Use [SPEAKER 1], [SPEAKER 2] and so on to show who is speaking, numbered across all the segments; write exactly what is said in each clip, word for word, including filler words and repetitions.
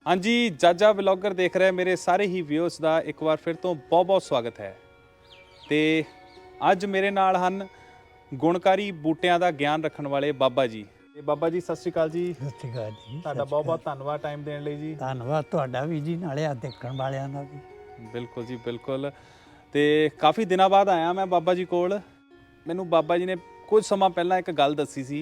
[SPEAKER 1] हाँ जी, जाजा ब्लॉगर देख रहे मेरे सारे ही व्यूअर्स ਦਾ ਇੱਕ ਵਾਰ ਫਿਰ ਤੋਂ ਬਹੁਤ-ਬਹੁਤ ਸਵਾਗਤ ਹੈ। ਤੇ ਅੱਜ ਮੇਰੇ ਨਾਲ ਹਨ ਗੁਣਕਾਰੀ ਬੂਟਿਆਂ ਦਾ ਗਿਆਨ ਰੱਖਣ ਵਾਲੇ ਬਾਬਾ ਜੀ। ਤੇ ਬਾਬਾ ਜੀ ਸਤਿ ਸ਼੍ਰੀ ਅਕਾਲ ਜੀ।
[SPEAKER 2] ਸਤਿ ਸ਼੍ਰੀ ਅਕਾਲ ਜੀ।
[SPEAKER 1] ਤੁਹਾਡਾ ਬਹੁਤ-ਬਹੁਤ ਧੰਨਵਾਦ ਟਾਈਮ ਦੇਣ ਲਈ ਜੀ।
[SPEAKER 2] ਧੰਨਵਾਦ ਤੁਹਾਡਾ ਵੀ ਜੀ, ਨਾਲੇ ਆ ਦੇਖਣ ਵਾਲਿਆਂ ਦਾ ਵੀ।
[SPEAKER 1] ਬਿਲਕੁਲ ਜੀ ਬਿਲਕੁਲ। ਤੇ ਕਾਫੀ ਦਿਨਾਂ ਬਾਅਦ ਆਇਆ ਮੈਂ ਬਾਬਾ ਜੀ ਕੋਲ। ਮੈਨੂੰ ਬਾਬਾ ਜੀ ਨੇ ਕੁਝ ਸਮਾਂ ਪਹਿਲਾਂ ਇੱਕ ਗੱਲ ਦੱਸੀ ਸੀ,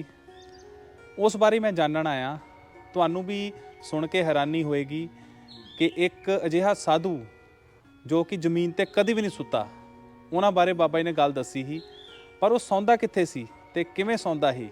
[SPEAKER 1] ਉਸ ਬਾਰੇ ਮੈਂ ਜਾਣਨ ਆਇਆ। ਤੁਹਾਨੂੰ ਵੀ ਸੁਣ ਕੇ ਹੈਰਾਨੀ ਹੋਏਗੀ ਕਿ ਇੱਕ ਅਜਿਹਾ ਸਾਧੂ ਜੋ ਕਿ ਜ਼ਮੀਨ ਤੇ ਕਦੇ ਵੀ ਨਹੀਂ ਸੁੱਤਾ, ਉਹਨਾਂ ਬਾਰੇ ਬਾਬਾ ਜੀ ਨੇ ਗੱਲ ਦੱਸੀ ਸੀ। ਪਰ ਉਹ ਸੌਂਦਾ ਕਿੱਥੇ ਸੀ ਤੇ ਕਿਵੇਂ ਸੌਂਦਾ ਸੀ,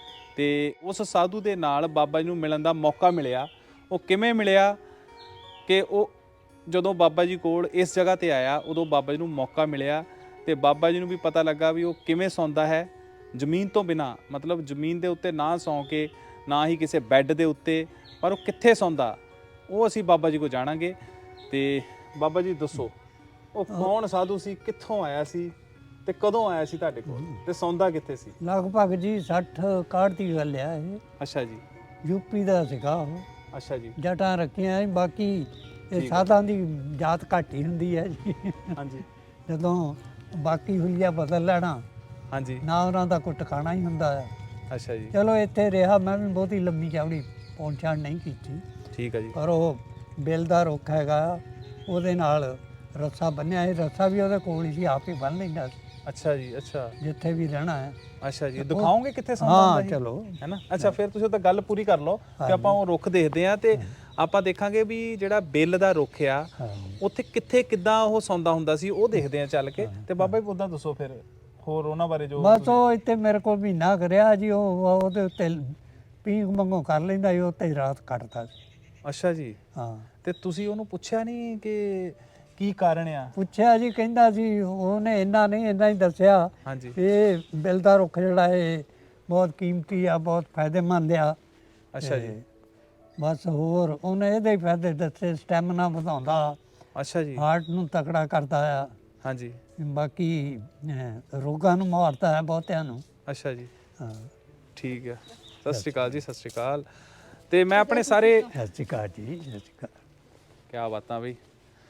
[SPEAKER 1] ਤੇ ਉਸ ਸਾਧੂ ਦੇ ਨਾਲ ਬਾਬਾ ਜੀ ਨੂੰ ਮਿਲਣ ਦਾ ਮੌਕਾ ਮਿਲਿਆ। ਉਹ ਕਿਵੇਂ ਮਿਲਿਆ ਕਿ ਉਹ ਜਦੋਂ ਬਾਬਾ ਜੀ ਕੋਲ ਇਸ ਜਗ੍ਹਾ ਤੇ ਆਇਆ, ਉਦੋਂ ਬਾਬਾ ਜੀ ਨੂੰ ਮੌਕਾ ਮਿਲਿਆ ਤੇ ਬਾਬਾ ਜੀ ਨੂੰ ਵੀ ਪਤਾ ਲੱਗਾ ਵੀ ਉਹ ਕਿਵੇਂ ਸੌਂਦਾ ਹੈ ਜ਼ਮੀਨ ਤੋਂ ਬਿਨਾਂ, ਮਤਲਬ ਜ਼ਮੀਨ ਦੇ ਉੱਤੇ ਨਾ ਸੌਂ ਕੇ, ਨਾ ਹੀ ਕਿਸੇ ਬੈੱਡ ਦੇ ਉੱਤੇ, ਪਰ ਉਹ ਕਿੱਥੇ ਸੌਂਦਾ ਉਹ ਅਸੀਂ ਬਾਬਾ ਜੀ ਕੋਲ ਜਾਣਾਂਗੇ। ਤੇ ਬਾਬਾ ਜੀ ਦੱਸੋ, ਉਹ ਕੌਣ ਸਾਧੂ ਸੀ, ਕਿੱਥੋਂ ਆਇਆ ਸੀ ਤੇ ਕਦੋਂ ਆਇਆ ਸੀ ਤੁਹਾਡੇ ਕੋਲ, ਤੇ ਸੌਂਦਾ ਕਿੱਥੇ ਸੀ?
[SPEAKER 2] ਲਗਭਗ ਜੀ ਸੱਠ ਇਕਾਹਠ ਦੀ ਗੱਲ ਆ ਇਹ।
[SPEAKER 1] ਅੱਛਾ ਜੀ।
[SPEAKER 2] ਯੂਪੀ ਦਾ ਸੀਗਾ ਉਹ।
[SPEAKER 1] ਅੱਛਾ ਜੀ।
[SPEAKER 2] ਜਟਾਂ ਰੱਖੀਆਂ, ਬਾਕੀ ਇਹ ਸਾਧਾਂ ਦੀ ਜਾਤ ਘੱਟ ਹੀ ਹੁੰਦੀ ਹੈ ਜੀ।
[SPEAKER 1] ਹਾਂਜੀ।
[SPEAKER 2] ਜਦੋਂ ਬਾਕੀ ਹੁਲੀਆ ਬਦਲ ਲੈਣਾ,
[SPEAKER 1] ਹਾਂਜੀ।
[SPEAKER 2] ਨਾ ਉਹਨਾਂ ਦਾ ਕੋਈ ਟਿਕਾਣਾ ਹੀ ਹੁੰਦਾ ਹੈ।
[SPEAKER 1] ਅੱਛਾ ਜੀ।
[SPEAKER 2] ਚਲੋ ਇੱਥੇ ਰਿਹਾ, ਮੈਂ ਵੀ ਬਹੁਤੀ ਲੰਮੀ ਚੌੜੀ ਪਹੁੰਚਾਣ ਨਹੀਂ ਕੀਤੀ।
[SPEAKER 1] ਠੀਕ ਹੈ ਜੀ।
[SPEAKER 2] ਪਰ ਉਹ ਬਿੱਲ ਦਾ ਰੁੱਖ ਹੈਗਾ, ਉਹਦੇ ਨਾਲ ਰੱਸਾ ਬੰਨਿਆ ਹੈ। ਰੱਸਾ ਵੀ ਉਹਦੇ ਕੋਲ ਹੀ ਸੀ, ਆਪ ਹੀ ਬੰਨ ਲੈਂਦਾ ਸੀ।
[SPEAKER 1] ਅੱਛਾ ਜੀ। ਅੱਛਾ,
[SPEAKER 2] ਜਿੱਥੇ ਵੀ ਰਹਿਣਾ ਹੈ।
[SPEAKER 1] ਅੱਛਾ ਜੀ। ਦਿਖਾਓਗੇ ਕਿੱਥੇ ਸੌਂਦਾ ਹੁੰਦਾ ਸੀ?
[SPEAKER 2] ਹਾਂ ਚਲੋ,
[SPEAKER 1] ਹੈ ਨਾ। ਅੱਛਾ, ਫਿਰ ਤੁਸੀਂ ਉਹ ਤਾਂ ਗੱਲ ਪੂਰੀ ਕਰ ਲਓ ਕਿ ਆਪਾਂ ਉਹ ਰੁੱਖ ਦੇਖਦੇ ਆ ਤੇ ਆਪਾਂ ਦੇਖਾਂਗੇ ਵੀ ਜਿਹੜਾ ਬਿੱਲ ਦਾ ਰੁੱਖ ਆ ਉੱਥੇ ਕਿੱਥੇ ਕਿੱਦਾਂ ਉਹ ਸੌਂਦਾ ਹੁੰਦਾ ਸੀ, ਉਹ ਦੇਖਦੇ ਆ ਚੱਲ ਕੇ। ਤੇ ਬਾਬਾ ਜੀ ਉਦਾਂ ਦੱਸੋ ਫਿਰ ਹੋਰ ਉਹਨਾਂ ਬਾਰੇ ਜੋ।
[SPEAKER 2] ਬਸ ਉਹ ਇੱਥੇ ਮੇਰੇ ਕੋਲ ਮਹੀਨਾ ਕਰਿਆ ਜੀ। ਉਹ ਉਹਦੇ ਉੱਤੇ ਪੀਂਘ ਮੰਗੋ ਕਰ ਲੈਂਦਾ ਸੀ, ਉੱਤੇ ਹੀ ਰਾਤ ਕੱਟਦਾ ਸੀ।
[SPEAKER 1] ਅੱਛਾ ਜੀ।
[SPEAKER 2] ਹਾਂ।
[SPEAKER 1] ਤੇ ਤੁਸੀਂ ਉਹਨੂੰ ਪੁੱਛਿਆ ਨਹੀਂ ਕਿ ਕੀ ਕਾਰਨ ਆ?
[SPEAKER 2] ਪੁੱਛਿਆ ਜੀ, ਕਹਿੰਦਾ ਸੀ ਉਹਨੇ ਇੰਨਾ ਨਹੀਂ ਇੰਨਾ ਹੀ ਦੱਸਿਆ।
[SPEAKER 1] ਹਾਂਜੀ।
[SPEAKER 2] ਇਹ ਬਿੱਲ ਦਾ ਰੁੱਖ ਜਿਹੜਾ ਇਹ ਬਹੁਤ ਕੀਮਤੀ ਆ, ਬਹੁਤ ਫਾਇਦੇਮੰਦ ਆ।
[SPEAKER 1] ਅੱਛਾ ਜੀ।
[SPEAKER 2] ਬਸ ਹੋਰ ਉਹਨੇ ਇਹਦੇ ਹੀ ਫਾਇਦੇ ਦੱਸੇ। ਸਟੈਮਿਨਾ ਵਧਾਉਂਦਾ,
[SPEAKER 1] ਅੱਛਾ ਜੀ।
[SPEAKER 2] ਹਾਰਟ ਨੂੰ ਤਕੜਾ ਕਰਦਾ ਆ।
[SPEAKER 1] ਹਾਂਜੀ।
[SPEAKER 2] ਬਾਕੀ ਅਹ, ਰੋਗਾਂ ਨੂੰ ਮਾਰਦਾ ਹੈ ਬਹੁਤਿਆਂ ਨੂੰ।
[SPEAKER 1] ਅੱਛਾ ਜੀ।
[SPEAKER 2] ਹਾਂ।
[SPEAKER 1] ਠੀਕ ਹੈ। ਸਤਿ ਸ਼੍ਰੀ ਅਕਾਲ ਜੀ। ਸਤਿ ਸ਼੍ਰੀ ਅਕਾਲ। ਤੇ ਮੈਂ ਆਪਣੇ ਸਾਰੇ
[SPEAKER 2] ਸਤਿ ਸ਼੍ਰੀ ਅਕਾਲ ਜੀ। ਸਤਿ ਸ਼੍ਰੀ ਅਕਾਲ।
[SPEAKER 1] ਕਿਆ ਬਾਤਾਂ ਬਈ।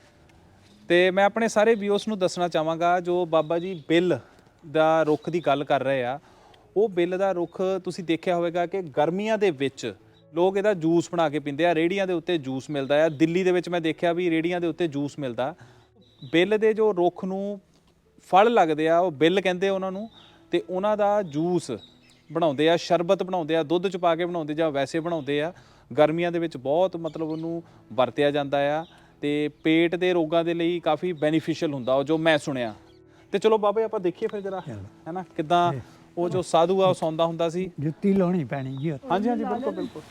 [SPEAKER 1] ਤੇ ਮੈਂ ਆਪਣੇ ਸਾਰੇ ਵਿਊਅਰਸ ਨੂੰ ਦੱਸਣਾ ਚਾਹਾਂਗਾ, ਜੋ ਬਾਬਾ ਜੀ ਬਿੱਲ ਦਾ ਰੁੱਖ ਦੀ ਗੱਲ ਕਰ ਰਹੇ ਆ, ਉਹ ਬਿੱਲ ਦਾ ਰੁੱਖ ਤੁਸੀਂ ਦੇਖਿਆ ਹੋਵੇਗਾ ਕਿ ਗਰਮੀਆਂ ਦੇ ਵਿੱਚ ਲੋਕ ਇਹਦਾ ਜੂਸ ਬਣਾ ਕੇ ਪੀਂਦੇ ਆ। ਰੇਹੜੀਆਂ ਦੇ ਉੱਤੇ ਜੂਸ ਮਿਲਦਾ ਆ। ਦਿੱਲੀ ਦੇ ਵਿੱਚ ਮੈਂ ਦੇਖਿਆ ਵੀ ਰੇਹੜੀਆਂ ਦੇ ਉੱਤੇ ਜੂਸ ਮਿਲਦਾ। ਬਿੱਲ ਦੇ ਜੋ ਰੁੱਖ ਨੂੰ ਫਲ ਲੱਗਦੇ ਆ, ਉਹ ਬਿੱਲ ਕਹਿੰਦੇ ਉਹਨਾਂ ਨੂੰ, ਤੇ ਉਹਨਾਂ ਦਾ ਜੂਸ ਬਣਾਉਂਦੇ ਆ, ਸ਼ਰਬਤ ਬਣਾਉਂਦੇ ਆ, ਦੁੱਧ ਚ ਪਾ ਕੇ ਬਣਾਉਂਦੇ ਜਾਂ ਵੈਸੇ ਬਣਾਉਂਦੇ ਆ। ਗਰਮੀਆਂ ਦੇ ਵਿੱਚ ਬਹੁਤ ਮਤਲਬ ਉਹਨੂੰ ਵਰਤਿਆ ਜਾਂਦਾ ਆ ਤੇ ਪੇਟ ਦੇ ਰੋਗਾਂ ਦੇ ਲਈ ਕਾਫੀ ਬੈਨੀਫੀਸ਼ੀਅਲ ਹੁੰਦਾ ਉਹ, ਜੋ ਮੈਂ ਸੁਣਿਆ। ਤੇ ਚਲੋ ਬਾਬਾ ਆਪਾਂ ਦੇਖੀਏ ਫਿਰ ਜਰਾ, ਹੈ ਨਾ, ਕਿੱਦਾਂ ਉਹ ਜੋ ਸਾਧੂ ਆ ਉਹ ਸੌਂਦਾ ਹੁੰਦਾ ਸੀ।
[SPEAKER 2] ਜੁੱਤੀ ਲਾਉਣੀ ਪੈਣੀ ਜੀ।
[SPEAKER 1] ਹਾਂਜੀ ਹਾਂਜੀ ਬਿਲਕੁਲ ਬਿਲਕੁਲ।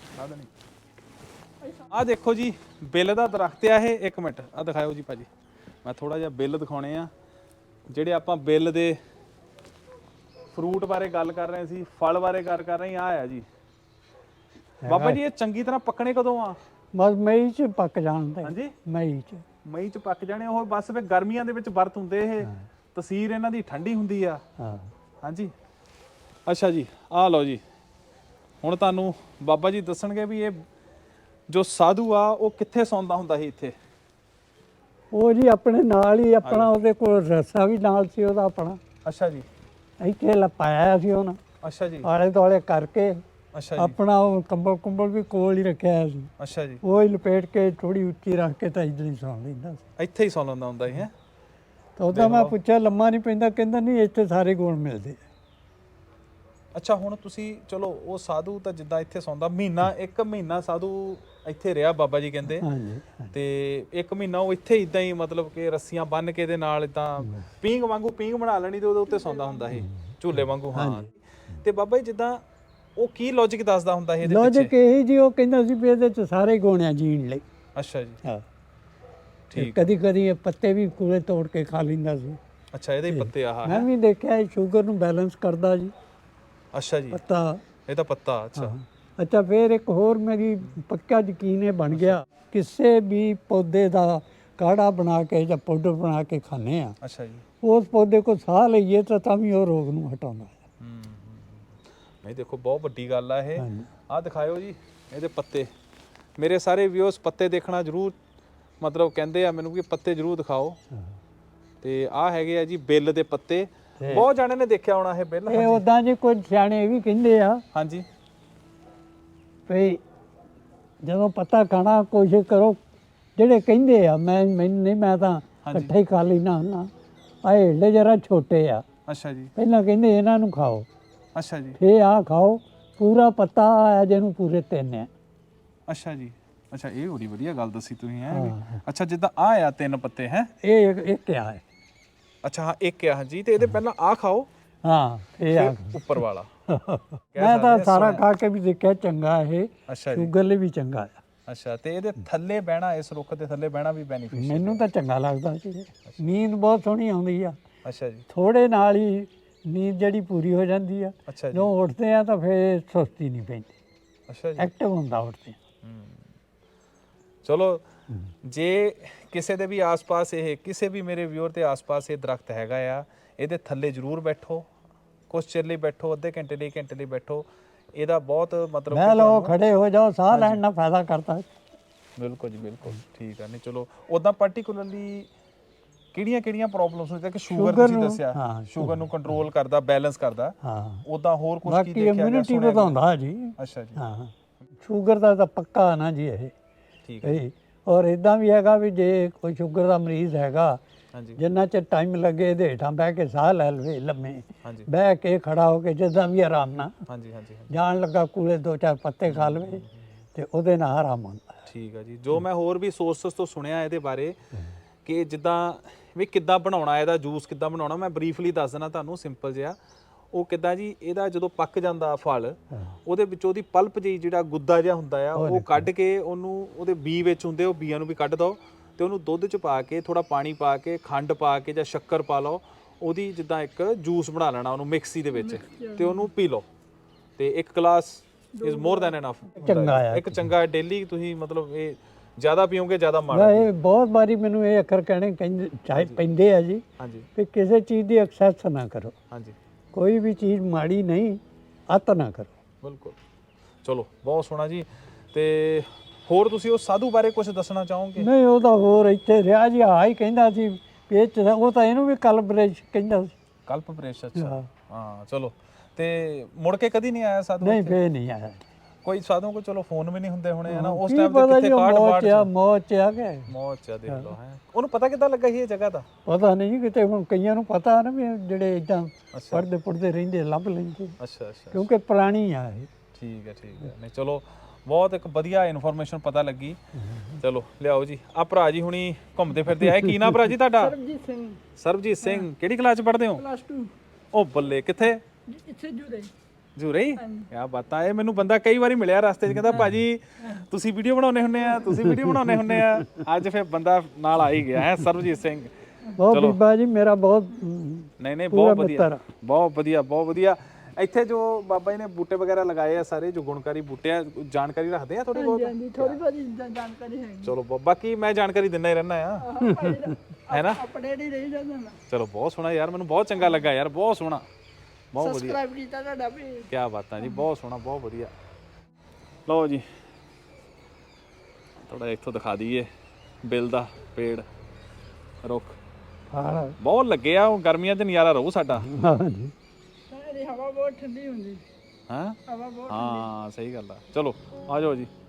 [SPEAKER 1] ਆਹ ਦੇਖੋ ਜੀ, ਬਿੱਲ ਦਾ ਦਰਖਤ ਆ ਇਹ। ਇੱਕ ਮਿੰਟ ਆਹ ਦਿਖਾਓ ਜੀ ਭਾਜੀ, ਮੈਂ ਥੋੜਾ ਜਿਹਾ ਬਿੱਲ ਦਿਖਾਉਣੇ ਆ। ਜਿਹੜੇ ਆਪਾਂ ਬਿੱਲ ਦੇ ਫਰੂਟ ਬਾਰੇ ਗੱਲ ਕਰ ਰਹੇ ਸੀ, ਫਲ ਬਾਰੇ ਗੱਲ ਕਰ ਰਹੇ ਆ ਆ ਜੀ। ਬਾਬਾ ਜੀ ਇਹ ਚੰਗੀ ਤਰ੍ਹਾਂ ਪੱਕਣੇ ਕਦੋਂ ਆ?
[SPEAKER 2] ਬਸ ਮਈ ਚ ਪੱਕ ਜਾਣਦੇ।
[SPEAKER 1] ਹਾਂਜੀ,
[SPEAKER 2] ਮਈ ਚ।
[SPEAKER 1] ਮਈ ਚ ਪੱਕ ਜਾਣੇ ਉਹ। ਬਸ ਫਿਰ ਗਰਮੀਆਂ ਦੇ ਵਿੱਚ ਵਰਤ ਹੁੰਦੇ ਇਹ। ਤਸੀਰ ਇਹਨਾਂ ਦੀ ਠੰਡੀ ਹੁੰਦੀ ਆ।
[SPEAKER 2] ਹਾਂ।
[SPEAKER 1] ਹਾਂਜੀ। ਅੱਛਾ ਜੀ, ਆਹ ਲਓ ਜੀ। ਹੁਣ ਤੁਹਾਨੂੰ ਬਾਬਾ ਜੀ ਦੱਸਣਗੇ ਵੀ ਇਹ ਜੋ ਸਾਧੂ ਆ ਉਹ ਕਿੱਥੇ ਸੌਂਦਾ ਹੁੰਦਾ ਸੀ ਇੱਥੇ।
[SPEAKER 2] ਉਹ ਜੀ ਆਪਣੇ ਨਾਲ ਹੀ ਆਪਣਾ, ਉਹਦੇ ਕੋਲ ਰੱਸਾ ਵੀ ਨਾਲ ਸੀ ਉਹਦਾ ਆਪਣਾ।
[SPEAKER 1] ਅੱਛਾ ਜੀ।
[SPEAKER 2] ਇੱਥੇ ਲਪਾਇਆ ਸੀ ਉਹਨਾਂ।
[SPEAKER 1] ਅੱਛਾ ਜੀ।
[SPEAKER 2] ਆਲੇ ਦੁਆਲੇ ਕਰਕੇ
[SPEAKER 1] ਅੱਛਾ ਜੀ।
[SPEAKER 2] ਆਪਣਾ ਉਹ ਕੰਬਲ ਕੁੰਬਲ ਵੀ ਕੋਲ ਹੀ ਰੱਖਿਆ ਸੀ।
[SPEAKER 1] ਅੱਛਾ ਜੀ।
[SPEAKER 2] ਉਹ ਹੀ ਲਪੇਟ ਕੇ ਥੋੜੀ ਉੱਚੀ ਰੱਖ ਕੇ ਤਾਂ ਇੱਧਰ ਹੀ ਸੌਂ ਲੈਂਦਾ ਸੀ।
[SPEAKER 1] ਇੱਥੇ ਹੀ ਸੌਂ ਲੈਂਦਾ ਹੁੰਦਾ ਸੀ। ਹੈ
[SPEAKER 2] ਤਾਂ ਉਹਦਾ ਮੈਂ ਪੁੱਛਿਆ ਲੰਮਾ ਨਹੀਂ ਪੈਂਦਾ? ਕਹਿੰਦਾ ਨਹੀਂ, ਇੱਥੇ ਸਾਰੇ ਗੁਣ ਮਿਲਦੇ।
[SPEAKER 1] ਅੱਛਾ, ਹੁਣ ਤੁਸੀਂ ਚਲੋ ਉਹ ਸਾਧੂ ਤਾਂ ਜਿੱਦਾਂ ਇੱਥੇ ਸੌਂਦਾ, ਮਹੀਨਾ ਇੱਕ ਮਹੀਨਾ ਸਾਧੂ ਇੱਥੇ ਰਿਹਾ ਬਾਬਾ ਜੀ ਕਹਿੰਦੇ।
[SPEAKER 2] ਹਾਂਜੀ।
[SPEAKER 1] ਤੇ ਇੱਕ ਮਹੀਨਾ ਉਹ ਇੱਥੇ ਇਦਾਂ ਹੀ ਮਤਲਬ ਕਿ ਰੱਸੀਆਂ ਬੰਨ ਕੇ ਦੇ ਨਾਲ ਇਦਾਂ ਪੀਂਘ ਵਾਂਗੂ ਪੀਂਘ ਬਣਾ ਲੈਣੀ ਤੇ ਉਹਦੇ ਉੱਤੇ ਸੌਂਦਾ ਹੁੰਦਾ ਸੀ, ਝੂਲੇ ਵਾਂਗੂ। ਹਾਂ। ਤੇ ਬਾਬਾ ਜੀ ਜਿੱਦਾਂ ਉਹ ਕੀ ਲੌਜਿਕ ਦੱਸਦਾ ਹੁੰਦਾ ਸੀ ਇਹਦੇ ਪਿੱਛੇ?
[SPEAKER 2] ਲੌਜਿਕ ਇਹ ਜੀ, ਉਹ ਕਹਿੰਦਾ ਸੀ ਵੀ ਇਹਦੇ ਚ ਸਾਰੇ ਗੁਣ ਆ ਜੀਣ ਲਈ।
[SPEAKER 1] ਅੱਛਾ ਜੀ।
[SPEAKER 2] ਹਾਂ।
[SPEAKER 1] ਠੀਕ।
[SPEAKER 2] ਕਦੀ ਕਦੀ ਇਹ ਪੱਤੇ ਵੀ ਕੋਲੇ ਤੋੜ ਕੇ ਖਾ ਲੈਂਦਾ ਸੀ।
[SPEAKER 1] ਅੱਛਾ, ਇਹਦੇ ਪੱਤੇ ਆਹ
[SPEAKER 2] ਮੈਂ ਵੀ ਦੇਖਿਆ, ਇਹ ਸ਼ੂਗਰ ਨੂੰ ਬੈਲੈਂਸ ਕਰਦਾ ਜੀ।
[SPEAKER 1] ਅੱਛਾ ਜੀ।
[SPEAKER 2] ਪੱਤਾ
[SPEAKER 1] ਇਹ ਤਾਂ ਪੱਤਾ। ਅੱਛਾ।
[SPEAKER 2] ਅੱਛਾ, ਫਿਰ ਇੱਕ ਹੋਰ ਮੇਰੀ ਪੱਕਾ ਯਕੀਨ ਇਹ ਬਣ ਗਿਆ, ਕਿਸੇ ਵੀ ਪੌਦੇ ਦਾ ਕਾੜਾ ਬਣਾ ਕੇ ਜਾਂ ਪਾਊਡਰ ਬਣਾ ਕੇ ਖਾਂਦੇ ਆ।
[SPEAKER 1] ਅੱਛਾ ਜੀ।
[SPEAKER 2] ਉਸ ਪੌਦੇ ਕੋ ਸਾਹ ਲਈਏ ਤਾਂ ਤਾਂ ਵੀ ਉਹ ਰੋਗ ਨੂੰ ਹਟਾਉਂਦਾ ਹੈ।
[SPEAKER 1] ਨਹੀਂ ਦੇਖੋ, ਬਹੁਤ ਵੱਡੀ ਗੱਲ ਆ ਇਹ। ਆਹ ਦਿਖਾਇਓ ਜੀ ਇਹਦੇ ਪੱਤੇ। ਮੇਰੇ ਸਾਰੇ ਵਿਊਅਰਸ ਪੱਤੇ ਦੇਖਣਾ ਜ਼ਰੂਰ ਮਤਲਬ ਕਹਿੰਦੇ ਆ ਮੈਨੂੰ ਕਿ ਪੱਤੇ ਜ਼ਰੂਰ ਦਿਖਾਓ। ਤੇ ਆਹ ਹੈਗੇ ਆ ਜੀ ਬਿੱਲ ਦੇ ਪੱਤੇ, ਬਹੁਤ ਜਾਣੇ ਨੇ ਦੇਖਿਆ ਹੋਣਾ ਇਹ ਬਿੱਲ।
[SPEAKER 2] ਇਹ ਉਦਾਂ ਜੀ ਕੁਝ ਸਿਆਣੇ ਇਹ ਵੀ ਕਹਿੰਦੇ ਆ
[SPEAKER 1] ਹਾਂਜੀ
[SPEAKER 2] ਵੀ ਜਦੋਂ ਪੱਤਾ ਖਾਣਾ ਕੋਸ਼ਿਸ਼ ਕਰੋ, ਜਿਹੜੇ ਕਹਿੰਦੇ ਆ ਮੈਂ ਮੈਨੂੰ ਨਹੀਂ, ਮੈਂ ਤਾਂ ਇਕੱਠਾ ਹੀ ਖਾ ਲੈਣਾ ਹੁੰਦਾ। ਆਹ ਏਡੇ ਜਰਾ ਛੋਟੇ ਆ।
[SPEAKER 1] ਅੱਛਾ ਜੀ।
[SPEAKER 2] ਪਹਿਲਾਂ ਕਹਿੰਦੇ ਇਹਨਾਂ ਨੂੰ ਖਾਓ,
[SPEAKER 1] ਅੱਛਾ ਜੀ।
[SPEAKER 2] ਫੇ ਆਹ ਖਾਓ, ਪੂਰਾ ਪੱਤਾ ਆ ਜਿਹਨੂੰ ਪੂਰੇ ਤਿੰਨ ਆ।
[SPEAKER 1] ਅੱਛਾ ਜੀ। ਅੱਛਾ ਇਹ ਬੜੀ ਵਧੀਆ ਗੱਲ ਦੱਸੀ ਤੁਸੀਂ ਹੈ। ਅੱਛਾ ਜਿੱਦਾਂ ਆ ਆ ਤਿੰਨ ਪੱਤੇ ਹੈ,
[SPEAKER 2] ਇਹ ਇੱਕ ਇੱਕ ਆ ਹੈ।
[SPEAKER 1] ਅੱਛਾ ਹਾਂ ਇੱਕ ਆ ਜੀ। ਤੇ ਇਹਦੇ ਪਹਿਲਾਂ ਆ ਖਾਓ,
[SPEAKER 2] ਹਾਂ ਇਹ ਆ
[SPEAKER 1] ਉੱਪਰ ਵਾਲਾ।
[SPEAKER 2] ਮੈਂ ਤਾਂ ਸਾਰਾ ਖਾ ਕੇ ਵੀ ਦੇਖਿਆ, ਚੰਗਾ ਇਹ
[SPEAKER 1] ਅੱਛਾ ਜੀ।
[SPEAKER 2] ਸ਼ੂਗਰ ਲਈ ਵੀ ਚੰਗਾ ਆ।
[SPEAKER 1] ਅੱਛਾ ਤੇ ਇਹਦੇ ਥੱਲੇ ਬਹਿਣਾ, ਇਸ ਰੁੱਖ ਦੇ ਥੱਲੇ ਬਹਿਣਾ ਵੀ ਬੈਨੀਫਿਸ਼ੀਅਲ?
[SPEAKER 2] ਮੈਨੂੰ ਤਾਂ ਚੰਗਾ ਲੱਗਦਾ ਸੀ। ਨੀਂਦ ਬਹੁਤ ਸੋਹਣੀ ਆਉਂਦੀ ਆ।
[SPEAKER 1] ਅੱਛਾ ਜੀ।
[SPEAKER 2] ਥੋੜੇ ਨਾਲ ਹੀ ਨੀਂਦ ਜਿਹੜੀ ਪੂਰੀ ਹੋ ਜਾਂਦੀ ਆ।
[SPEAKER 1] ਅੱਛਾ ਜੀ।
[SPEAKER 2] ਜਦੋਂ ਉੱਠਦੇ ਆ ਤਾਂ ਫਿਰ ਸੁਸਤੀ ਨਹੀਂ ਪੈਂਦੀ,
[SPEAKER 1] ਅੱਛਾ ਜੀ।
[SPEAKER 2] ਐਕਟਿਵ ਹੁੰਦਾ ਉੱਠਦੇ।
[SPEAKER 1] ਚਲੋ ਜੇ ਕਿਸੇ ਦੇ ਵੀ ਆਸ-ਪਾਸ ਇਹ ਕਿਸੇ ਵੀ ਮੇਰੇ ਵਿਊਅਰ ਦੇ ਆਸ-ਪਾਸ ਇਹ ਦਰਖਤ ਹੈਗਾ ਆ, ਇਹਦੇ ਥੱਲੇ ਜ਼ਰੂਰ ਬੈਠੋ, ਕੁਛ ਚਿਰ ਲਈ ਬੈਠੋ, ਅੱਧੇ ਘੰਟੇ ਲਈ ਘੰਟੇ ਲਈ ਬੈਠੋ। ਇਹਦਾ ਬਹੁਤ ਮਤਲਬ
[SPEAKER 2] ਮੈਂ ਲਓ ਖੜੇ ਹੋ ਜਾਓ, ਸਾਹ ਲੈਣ ਨਾਲ ਫਾਇਦਾ ਕਰਦਾ।
[SPEAKER 1] ਬਿਲਕੁਲ ਜੀ ਬਿਲਕੁਲ ਠੀਕ ਆ। ਨਹੀਂ ਚਲੋ ਉਦਾਂ ਪਾਰਟਿਕੂਲਰਲੀ ਕਿਹੜੀਆਂ ਕਿਹੜੀਆਂ ਪ੍ਰੋਬਲਮਸ ਹੁੰਦੀਆਂ ਕਿ ਸ਼ੂਗਰ ਤੁਸੀਂ ਦੱਸਿਆ, ਸ਼ੂਗਰ ਨੂੰ ਕੰਟਰੋਲ ਕਰਦਾ, ਬੈਲੈਂਸ ਕਰਦਾ।
[SPEAKER 2] ਹਾਂ
[SPEAKER 1] ਉਦਾਂ ਹੋਰ ਕੁਝ ਕੀ
[SPEAKER 2] ਬਾਕੀ
[SPEAKER 1] ਦੇਖਿਆ ਗਿਆ?
[SPEAKER 2] ਇਮਿਊਨਿਟੀ ਵਧਾਉਂਦਾ ਜੀ।
[SPEAKER 1] ਅੱਛਾ ਜੀ।
[SPEAKER 2] ਹਾਂ ਸ਼ੂਗਰ ਦਾ ਤਾਂ ਪੱਕਾ ਨਾ ਜੀ ਇਹ।
[SPEAKER 1] ਠੀਕ ਹੈ।
[SPEAKER 2] ਔਰ ਇਦਾਂ ਵੀ ਹੈਗਾ ਵੀ ਜੇ ਕੋਈ ਸ਼ੂਗਰ ਦਾ ਮਰੀਜ਼ ਹੈਗਾ,
[SPEAKER 1] ਹਾਂਜੀ
[SPEAKER 2] ਜਿੰਨਾ ਚਿਰ ਟਾਈਮ ਲੱਗੇ ਇਹਦੇ ਹੇਠਾਂ ਬਹਿ ਕੇ ਸਾਹ ਲੈ ਲਵੇ, ਲੰਮੇ
[SPEAKER 1] ਹਾਂਜੀ
[SPEAKER 2] ਬਹਿ ਕੇ ਖੜਾ ਹੋ ਕੇ ਜਿੱਦਾਂ ਵੀ ਆਰਾਮ ਨਾਲ
[SPEAKER 1] ਹਾਂਜੀ ਹਾਂਜੀ
[SPEAKER 2] ਜਾਣ ਲੱਗਾ ਕੂਲੇ ਦੋ ਚਾਰ ਪੱਤੇ ਖਾ ਲਵੇ ਤੇ ਉਹਦੇ ਨਾਲ ਆਰਾਮ ਆਉਂਦਾ।
[SPEAKER 1] ਠੀਕ ਹੈ ਜੀ। ਜੋ ਮੈਂ ਹੋਰ ਵੀ ਸੋਰਸਸ ਤੋਂ ਸੁਣਿਆ ਇਹਦੇ ਬਾਰੇ ਕਿ ਜਿੱਦਾਂ ਵੀ ਕਿੱਦਾਂ ਬਣਾਉਣਾ ਇਹਦਾ ਜੂਸ, ਕਿੱਦਾਂ ਬਣਾਉਣਾ, ਮੈਂ ਬਰੀਫਲੀ ਦੱਸ ਦਿੰਦਾ ਤੁਹਾਨੂੰ ਸਿੰਪਲ ਜਿਹਾ। ਉਹ ਕਿੱਦਾਂ ਜੀ, ਇਹਦਾ ਜਦੋਂ ਪੱਕ ਜਾਂਦਾ ਫਲ, ਉਹਦੇ ਵਿੱਚ ਉਹਦੀ ਪਲਪ ਜਿਹੀ ਜਿਹੜਾ ਗੁੱਦਾ ਜਿਹਾ ਹੁੰਦਾ ਆ, ਉਹ ਕੱਢ ਕੇ ਉਹਨੂੰ, ਉਹਦੇ ਬੀ ਵਿੱਚ ਹੁੰਦੇ ਉਹ ਬੀਆਂ ਨੂੰ ਵੀ ਕੱਢ ਦਿਓ ਤੇ ਉਹਨੂੰ ਦੁੱਧ 'ਚ ਪਾ ਕੇ, ਥੋੜਾ ਪਾਣੀ ਪਾ ਕੇ, ਖੰਡ ਪਾ ਕੇ ਜਾਂ ਸ਼ੱਕਰ ਪਾ ਲਓ, ਉਹਦੀ ਜਿੱਦਾਂ ਇੱਕ ਜੂਸ ਬਣਾ ਲੈਣਾ ਉਹਨੂੰ ਮਿਕਸੀ ਦੇ ਵਿੱਚ ਤੇ ਉਹਨੂੰ ਪੀ ਲਓ। ਤੇ ਇੱਕ glass is more than enough.
[SPEAKER 2] ਚੰਗਾ ਆ
[SPEAKER 1] ਇੱਕ ਚੰਗਾ ਡੇਲੀ ਤੁਸੀਂ ਮਤਲਬ ਇਹ ਜ਼ਿਆਦਾ ਪੀਓਗੇ ਜ਼ਿਆਦਾ ਮਾੜਾ।
[SPEAKER 2] ਇਹ ਬਹੁਤ ਵਾਰੀ ਮੈਨੂੰ ਇਹ ਅੱਖਰ ਕਹਿਣੇ ਕਹਿੰਦੇ ਚਾਹੇ ਪੈਂਦੇ ਆ ਜੀ
[SPEAKER 1] ਹਾਂਜੀ
[SPEAKER 2] ਕਿ ਕਿਸੇ ਚੀਜ਼ ਦੀ ਐਕਸੈਸ ਨਾ ਕਰੋ।
[SPEAKER 1] ਹਾਂਜੀ
[SPEAKER 2] ਕੋਈ ਵੀ ਚੀਜ਼ ਮਾੜੀ ਨਹੀਂ, ਅਤ ਨਾ ਕਰੋ।
[SPEAKER 1] ਬਿਲਕੁਲ। ਚਲੋ ਬਹੁਤ ਸੋਹਣਾ ਜੀ। ਤੇ ਹੋਰ ਤੁਸੀਂ ਉਸ ਸਾਧੂ ਬਾਰੇ ਕੁਝ ਦੱਸਣਾ ਚਾਹੋਗੇ?
[SPEAKER 2] ਨਹੀਂ ਉਹ ਤਾਂ ਹੋਰ ਇੱਥੇ ਰਿਹਾ ਜੀ, ਆ ਹੀ ਕਹਿੰਦਾ ਸੀ ਵੀ ਉਹ ਤਾਂ ਇਹਨੂੰ ਵੀ ਕਲਬਰੇਸ਼ ਕਹਿੰਦਾ ਸੀ।
[SPEAKER 1] ਕਲਪਬ੍ਰੇਸ਼। ਅੱਛਾ ਹਾਂ ਚਲੋ। ਤੇ ਮੁੜ ਕੇ ਕਦੀ ਨਹੀਂ ਆਇਆ ਸਾਧੂ?
[SPEAKER 2] ਨਹੀਂ ਫੇਰ ਨਹੀਂ ਆਇਆ
[SPEAKER 1] ਕੋਈ ਸਾਧੂ ਕੋ। ਚਲੋ ਫੋਨ ਵੀ ਨਹੀਂ ਹੁੰਦੇ ਹੋਣੇ ਹਨਾ ਉਸ
[SPEAKER 2] ਕੀ
[SPEAKER 1] ਟਾਈਮ ਤੇ,
[SPEAKER 2] ਪਤਾ
[SPEAKER 1] ਕਿੱਥੇ
[SPEAKER 2] ਜੀ,
[SPEAKER 1] ਕਾਰਡ
[SPEAKER 2] ਮੌਤ
[SPEAKER 1] ਬਾੜ
[SPEAKER 2] ਆ ਮੌਤ ਆ ਕੇ
[SPEAKER 1] ਮੌਤ ਆ। ਦੇਖ ਲਓ ਹੈ ਉਹਨੂੰ ਪਤਾ ਕਿੱਦਾਂ ਲੱਗਾ ਸੀ ਇਹ ਜਗ੍ਹਾ ਦਾ?
[SPEAKER 2] ਪਤਾ ਨਹੀਂ ਕਿਤੇ, ਹੁਣ ਕਈਆਂ ਨੂੰ ਪਤਾ ਨਾ ਵੀ ਜਿਹੜੇ ਇਦਾਂ ਪੜਦੇ ਪੁੜਦੇ ਰਹਿੰਦੇ ਲੱਭ ਲੈਂਦੇ।
[SPEAKER 1] ਅੱਛਾ ਅੱਛਾ
[SPEAKER 2] ਕਿਉਂਕਿ ਪੁਰਾਣੀ ਆ ਇਹ।
[SPEAKER 1] ਠੀਕ ਹੈ ਠੀਕ ਹੈ। ਨਹੀਂ ਚਲੋ ਬਹੁਤ ਇੱਕ ਵਧੀਆ ਇਨਫੋਰਮੇਸ਼ਨ ਪਤਾ ਲੱਗੀ। ਚਲੋ ਲਿਆਓ ਜੀ। ਆ ਭਰਾ ਜੀ ਹੁਣੀ ਘੁੰਮਦੇ ਫਿਰਦੇ ਆਏ। ਕੀ ਨਾ ਭਰਾ ਜੀ ਤੁਹਾਡਾ?
[SPEAKER 3] ਸਰਬਜੀਤ ਸਿੰਘ।
[SPEAKER 1] ਸਰਬਜੀਤ ਸਿੰਘ। ਕਿਹੜੀ ਕਲਾਸ ਚ ਪੜ੍ਹਦੇ ਹੋ?
[SPEAKER 3] Plus two.
[SPEAKER 1] ਉਹ ਬੱਲੇ। ਕਿੱਥੇ?
[SPEAKER 3] ਇੱਥੇ ਜੁੜੇ।
[SPEAKER 1] ਜੂਰੇ ਹੀ? ਕਿਆ ਬਾਤਾਂ। ਇਹ ਮੈਨੂੰ ਬੰਦਾ ਕਈ ਵਾਰੀ ਮਿਲਿਆ ਰਸਤੇ 'ਚ, ਕਹਿੰਦਾ ਭਾਜੀ ਤੁਸੀਂ ਵੀਡੀਓ ਬਣਾਉਂਦੇ ਹੁੰਦੇ ਆ, ਤੁਸੀਂ ਵੀਡੀਓ ਬਣਾਉਂਦੇ ਹੁੰਦੇ ਆ। ਅੱਜ ਫਿਰ ਬੰਦਾ ਨਾਲ ਆ ਹੀ ਗਿਆ ਹੈ ਸਰਬਜੀਤ ਸਿੰਘ।
[SPEAKER 2] ਬਹੁਤ ਬੀਬਾ ਜੀ ਮੇਰਾ ਬਹੁਤ
[SPEAKER 1] ਨਹੀਂ ਨਹੀਂ ਬਹੁਤ ਵਧੀਆ ਬਹੁਤ ਵਧੀਆ ਬਹੁਤ ਵਧੀਆ। ਇੱਥੇ ਜੋ ਬਾਬਾ ਜੀ ਨੇ ਬੂਟੇ ਵਗੈਰਾ ਲਗਾਏ ਆ ਸਾਰੇ, ਜੋ ਗੁਣਕਾਰੀ ਬੂਟੇ ਆ, ਜਾਣਕਾਰੀ ਰੱਖਦੇ ਆ ਥੋੜੀ ਬਹੁਤ?
[SPEAKER 3] ਹਾਂਜੀ ਥੋੜੀ ਬਹੁਤੀ ਜਾਣਕਾਰੀ ਹੈ।
[SPEAKER 1] ਚਲੋ ਬਾਕੀ ਮੈਂ ਜਾਣਕਾਰੀ ਦਿੰਦਾ ਹੀ ਰਹਿਣਾ ਆ, ਹੈ ਨਾ?
[SPEAKER 3] ਅਪਡੇਟ ਹੀ ਰਹੀ ਜਾਂਦਾ ਮੈਂ।
[SPEAKER 1] ਚਲੋ ਬਹੁਤ ਸੋਹਣਾ ਯਾਰ, ਮੈਨੂੰ ਬਹੁਤ ਚੰਗਾ ਲੱਗਾ ਯਾਰ, ਬਹੁਤ ਸੋਹਣਾ, ਬਹੁਤ ਵਧੀਆ।
[SPEAKER 3] ਸਬਸਕ੍ਰਾਈਬ ਕੀਤਾ ਤੁਹਾਡਾ ਵੀ।
[SPEAKER 1] ਕੀ ਬਾਤਾਂ ਜੀ, ਬਹੁਤ ਸੋਹਣਾ ਬਹੁਤ ਵਧੀਆ। ਲਓ ਜੀ ਥੋੜਾ ਇੱਥੋਂ ਦਿਖਾ ਦਈਏ ਬਿੱਲ ਦਾ ਪੇੜ ਰੁੱਖ ਬਹੁਤ ਲੱਗੇ ਆ। ਗਰਮੀਆਂ 'ਚ ਨਜ਼ਾਰਾ ਰਹੂ ਸਾਡਾ।
[SPEAKER 2] ਹਾਂਜੀ
[SPEAKER 3] ਹਵਾ ਬਹੁਤ ਠੰਡੀ ਹੁੰਦੀ।
[SPEAKER 1] ਹਾਂ
[SPEAKER 3] ਹਵਾ ਬਹੁਤ
[SPEAKER 1] ਹਾਂ ਸਹੀ ਗੱਲ ਆ। ਚਲੋ ਆ ਜਾਓ ਜੀ।